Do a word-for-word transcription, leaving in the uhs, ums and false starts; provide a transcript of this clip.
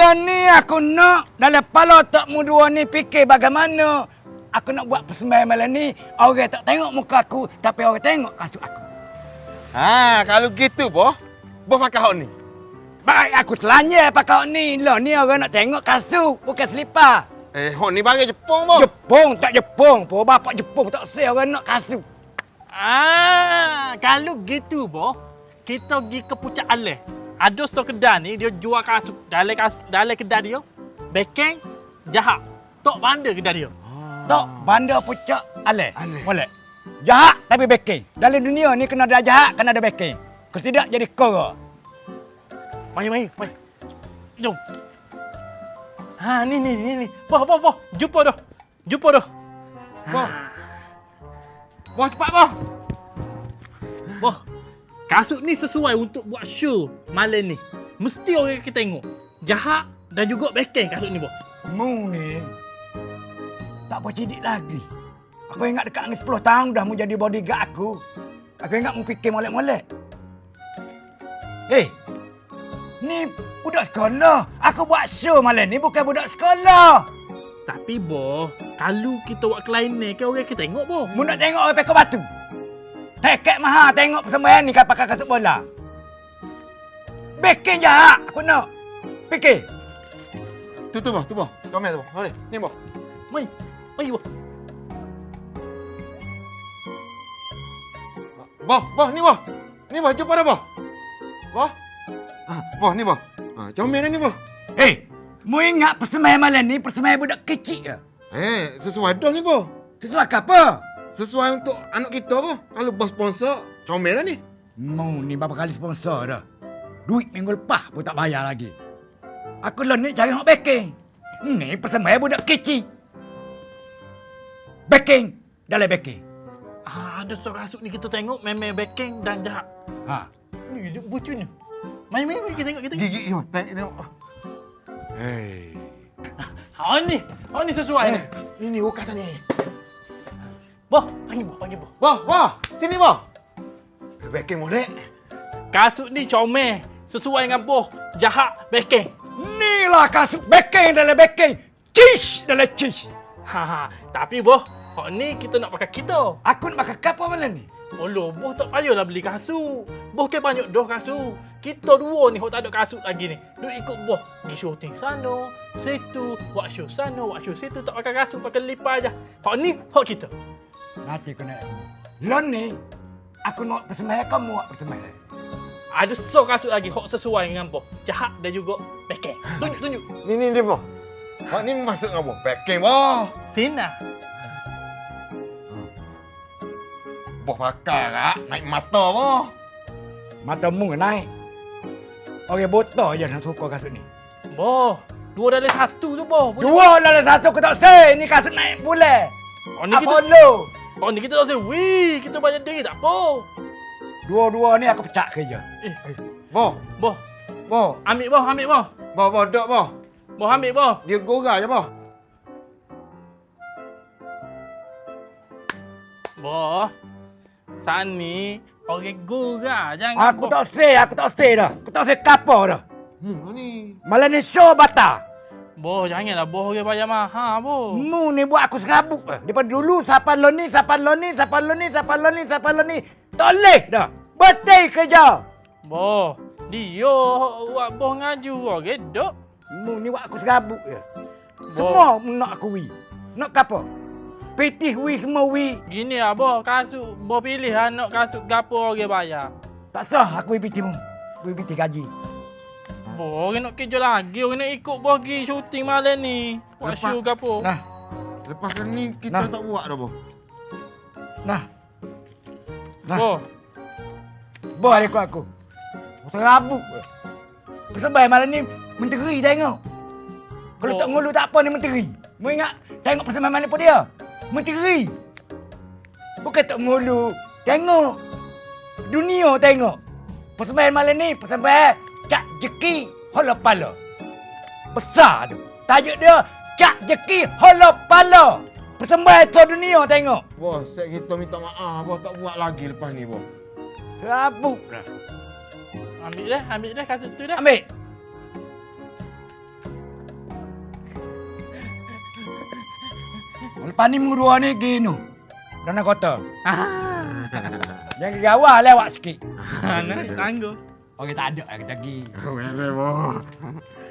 Lah ni aku nak dalam kepala tak mu dua ni fikir bagaimana aku nak buat persembahan malam ni. Orang tak tengok muka aku tapi orang tengok kasut aku. Ha, kalau gitu boh, boh pakai hok ni. Baik aku selanja pakai hok ni. Lah ni orang nak tengok kasut bukan selipar. Eh, hok ni barang Jepun boh. Jepun tak Jepun. Po bapak Jepun tak say orang nak kasut. Ah, kalau gitu boh, kita pergi ke Puncak Aleh. Ada seorang kedai ni dia jual kasut. Dalam kasut, dalam kedai dia, beken jahat. Tok bandar kedai dia. Tok bandar Puncak Aleh. Aleh. Boleh. Jahat tapi backing. Dalam dunia ni kena ada jahat, kena ada backing. Kalau tidak jadi kora. Mari, mari, mari. Jom. Ha, ni, ni, ni, ni. Boh, boh, boh. Jumpa dah. Jumpa dah. Boh. Boh cepat boh. Boh, kasut ni sesuai untuk buat show malam ni. Mesti orang kita tengok. Jahat dan juga backing kasut ni, boh. Mu ni tak apa cidik lagi. Aku ingat dekat dengan sepuluh tahun dah mu jadi bodyguard aku. Aku ingat mu fikir molek-molek. Eh, ni budak sekolah. Aku buat show malam ni bukan budak sekolah. Tapi, boh, kalau kita buat kelainan ke orang kita tengok, boh. Mu nak tengok orang pekor batu. Tiket mahal tengok persembahan ni kan pakai kasut bola. Bikin jahat aku nak. Fikir. Tu tu boh, tu boh. Komen tu boh. Ha ni, ni boh. Mari. Mari, boh. Boh, boh ni boh. Ni boh, jumpa dah boh. Boh. Ha, boh ni boh. Ha, comel dah ni boh. Eh, mu ingat persembahan malam ni persembahan budak kecil ke? Eh, sesuai dah ni boh. Sesuai ke apa? Sesuai untuk anak kita boh. Kalau bos sponsor, comel dah ni. Mu ni berapa kali sponsor dah. Duit minggu lepas pun tak bayar lagi. Aku lah ni cari hak backing. Ni persembahan budak kecil. Backing. Dalam backing. Ah, ada seorang kasut ni kita tengok memang backing dan jahat. Ha. Ni dia bucunya. Mari, mari, mari kita tengok, kita tengok. Gigi ni boh. Tengok, tengok. Hey. Ha ni. Ha ni sesuai ni. Eh, ni ni oh kata ni. Boh, panggil boh, panggil boh. Boh, boh. Sini boh. Backing molek. Kasut ni comel. Sesuai dengan boh. Jahat backing. Inilah kasut backing dalam backing. Cheese dalam cheese. Ha ha. Tapi boh, hak ni kita nak pakai kita. Aku nak pakai kapal malam ni. Oloh, boh tak payahlah beli kasut. Boh kan banyak dah kasut. Kita dua ni hok tak ada kasut lagi ni. Duk ikut boh. Pergi syuting sana, situ, buat show sana, buat show situ. Tak pakai kasut, pakai lipas aja. Hak ni, hak kita. Nanti kena. Lon ni, aku nak persembahan kamu buat persembahan. Ada so kasut lagi hok sesuai dengan boh. Jahat dan juga backing. Tunjuk, tunjuk. Ni ni dia boh. Hak ni masuk dengan boh. Backing boh. Sina. Boh pakai kak. Naik mata boh. Matamu naik. Orang botak je nak suka kasut ni. Boh, dua dalam satu tu boh. Boleh- Dua dalam satu aku tak say. Ni kasut naik bulan. Oh ni kita, Apollo. oh ni kita tak say, wih, kita banyak diri tak apa. Dua-dua ni aku pecah kerja. Eh, Boh. boh, Boh. ambil boh, ambil boh. Boh, boh. Dok boh. Boh ambil boh. Dia gorah je boh. Boh, saat ni orang gurau jangan. Aku boh. tak say, aku tak say dah. Aku tak say kapal dah. Hmm, ni. Malam ni show batal. Boh, janganlah boh orang bayar mahal boh. Mu ni buat aku serabut dah. Daripada dulu siapa lo ni, siapa lo ni, siapa lo ni, siapa lo ni, siapa lo ni. Tak boleh dah. Betul kerja. Boh, dia buat boh ngaju orang dok. Mu ni buat aku serabut je. Boh. Semua mu nak aku wi. Nak kapal. Pitih wi semua wi. Gini lah boh, kasut boh pilih anak kasut gapo orang bayar. Tak sah aku wi pitih mu. Wi pitih gaji. Boh, orang nak kerja lagi, orang nak ikut boh pergi syuting malam ni. Buat Lepas- show gapo. Nah, Lepas ni kita Nah. tak buat dah boh. nah. Nah. Boh, Boh ada aku aku. Serabut je. Persembahan malam ni menteri tengok. Kalau Oh. tak ngulu tak apa ni menteri. Mu ingat tengok persembahan malam pun dia. Menteri. Bukan tak ngulu. Tengok. Dunia tengok. Persembahan malam ni persembahan Cak Jeki Hola Pala. Besar tu. Tajuk dia Cak Jeki Hola Pala. Persembahan seluruh dunia tengok. Boh, set kita minta maaf. Boh tak buat lagi lepas ni boh. Serabut dah. ambil dah, ambil dah kasut tu dah. Ambil. Lepas ni minggu dua ni pergi nu. Kerana kota. Ah. Yang ke gawah lewat sikit. Nah, tangguh. Orang tak ada kita pergi. Mere boh.